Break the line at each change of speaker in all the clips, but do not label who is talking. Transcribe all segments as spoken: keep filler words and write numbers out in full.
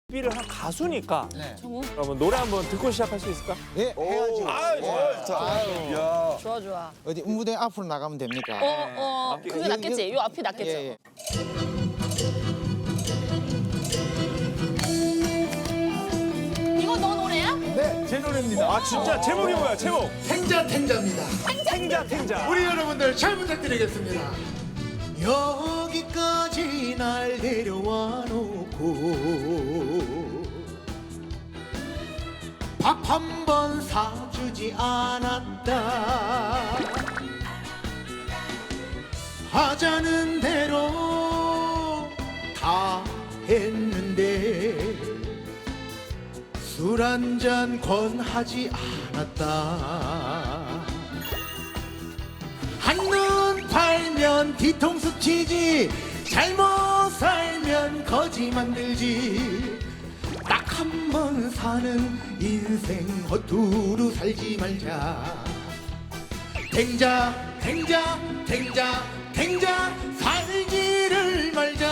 를 한 가수니까
네.
그러면 노래 한번 듣고 시작할 수 있을까?
예, 해야지.
아,
아유.
야.
좋아 좋아.
어디 무대 앞으로 나가면 됩니까?
어, 어,
앞뒤.
그게 낫겠지. 요 앞이 낫겠죠.
예, 예.
이거 너 노래야?
네, 제 노래입니다.
아 진짜 제목이 뭐야 제목?
탱자 탱자입니다.
탱자 탱자.
우리 여러분들 잘 부탁드리겠습니다. 여기까지 날 데려와 놓고 밥 한 번 사주지 않았다. 하자는 대로 다 했는데 술 한 잔 권하지 않았다. 한눈 팔면 뒤통수 치지, 잘못 살면 거지 만들지. 딱 한 번 사는 인생 허투루 살지 말자. 탱자 탱자 탱자 탱자 살지를 말자.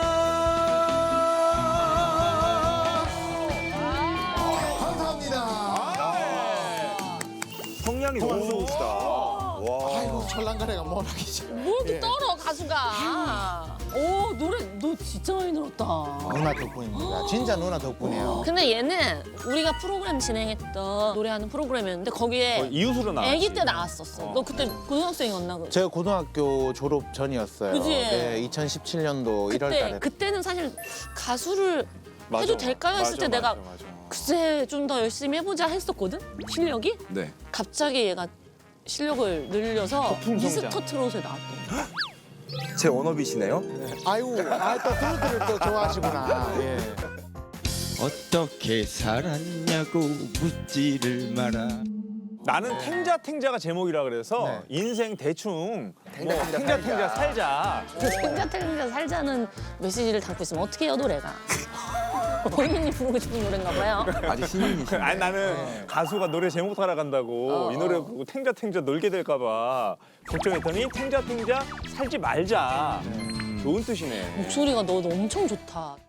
감사합니다.
성량이 너무 좋으시다. 와.
아이고, 철랑가래가 뭐라기지.
뭐 이렇게 떨어 가수가. 오 노래 너 진짜 많이 늘었다.
누나 덕분입니다. 진짜 누나 덕분이에요.
근데 얘는 우리가 프로그램 진행했던 노래하는 프로그램이었는데 거기에
이웃으로 나왔지.
아기 때 나왔었어. 너 그때 고등학생이었나? 그-
제가 고등학교 졸업 전이었어요.
그지?
네, 이천십칠 년도 일월
그때
달에.
그때는 사실 가수를
맞아.
해도 될까요 했을
맞아,
때 내가
맞아, 맞아.
글쎄 좀 더 열심히 해보자 했었거든. 실력이
네.
갑자기 얘가 실력을 늘려서
거품 성장.
미스터 트롯에 나왔던 거야.
제 워너비시네요.
아이고, 아, 또 트로트를 또 좋아하시구나. 예.
어떻게 살았냐고 묻지를 마라.
나는 탱자 탱자가 제목이라 그래서
네.
인생 대충
탱자,
뭐
탱자,
탱자
살자.
탱자 살자.
그 탱자 탱자 살자는 메시지를 담고 있으면 어떻게 해요 노래가? 본인이 부르고 싶은 노래인가 봐요.
아직 신인이시네.
아니 나는 가수가 노래 제목 따라간다고
어,
이 노래
어.
부르고 탱자 탱자 놀게 될까 봐 걱정했더니 탱자 탱자 살지 말자. 좋은 뜻이네.
목소리가 너 엄청 좋다.